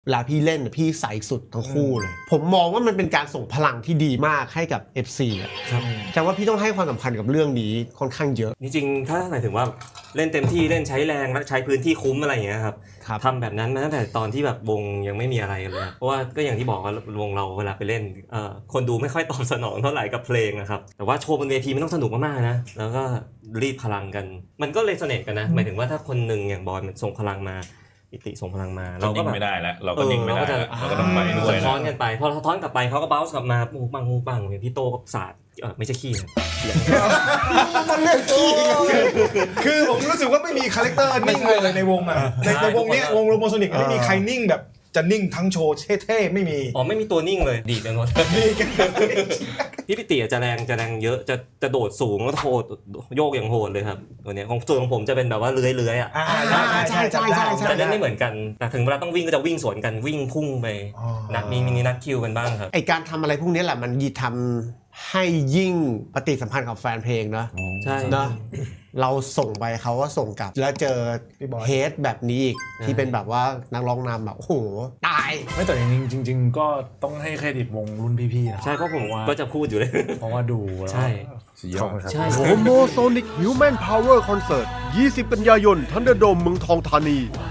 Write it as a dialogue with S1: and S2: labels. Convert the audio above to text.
S1: เวลาพี่เล่นพี่ใส่สุดทั้งคู่เลยผมมองว่ามันเป็นการส่งพลังที่ดีมากให้กับ FC อ่ะแต่ว่าพี่ต้องให้ความสำคัญกับเรื่องนี้ค่อนข้างเยอะ
S2: จริงๆถ้าหมายถึงว่าเล่นเต็มที่เล่นใช้แรงและใช้พื้นที่คุ้มอะไรอย่างเงี้ยครับทำแบบนั้นมาตั้งแต่ตอนที่แบบวงยังไม่มีอะไรเลยเพราะว่าก็อย่างที่บอกว่าวงเราเวลาไปเล่นคนดูไม่ค่อยตอบสนองเท่าไหร่กับเพลงนะครับแต่ว่าโชว์บนเวทีมันต้องสนุกมากๆนะแล้วก็รีดพลังกันมันก็เลยเสน่ห์กันนะหมายถึงว่าถ้าคนหนึ่งอย่างบอยมันส่งพลังมาปิติส่งพลังมาเราก็แบบ
S3: ไม่ได้แล้วเราก็นิ่งไม่ได้เราก็ต้องไปด้วย
S2: สะท้อนกันไปพอสะท้อนกลับไปเขาก็บ้าส์กลับมาปุ้งปังปุ้งปังอย่างพี่โตก็ศาสตร์ไม่ใช่ขี้
S1: มันเรื่องขี้
S4: คือผมรู้สึกว่าไม่มีคาแรคเตอร์นิ่งเลยในวงอ่ะในวงนี้วงโรโมโซนิกไม่มีใครนิ่งแบบจะนิ่งทั้งโชว์เท่ๆไม่มี
S2: ไม่มีตัวนิ่งเลยดีไปหมดพี่ปิติจะแรงเยอะจะโดดสูงแล้วโหดโยกอย่างโหดเลยครับตัวนี้ของส่วนของผมจะเป็นแบบว่าเลื้อย
S1: ใช่
S2: แต่เล่นไม่เหมือนกันแต่ถึงเวลาต้องวิ่งก็จะวิ่งสวนกันวิ่งพุ่งไปมีมินินัดคิวกันบ้างครับ
S1: ไอการทำอะไรพวกนี้แหละมันทำให้ยิ่งปฏิสัมพันธ์กับแฟนเพลงนะ
S2: ใช่
S1: นะเราส่งไปเขาก็ส่งกลับแล้วเจอเฮดแบบนี้อีกที่เป็นแบบว่านักร้องนำแบบโอ้โหตาย
S5: ไม่แต่จริงก็ต้องให้เครดิตวงรุ่นพี่ๆนะ
S2: ใช่เพราะผมก็จะพูดอยู่เลย
S5: เพราะว่าดู
S2: ใช่
S5: ใช่
S6: โฮโมโซนิกฮิวแมนพาวเวอร์คอนเสิร์ต20 กันยายนทันเดอร์โดมเมืองทองธานี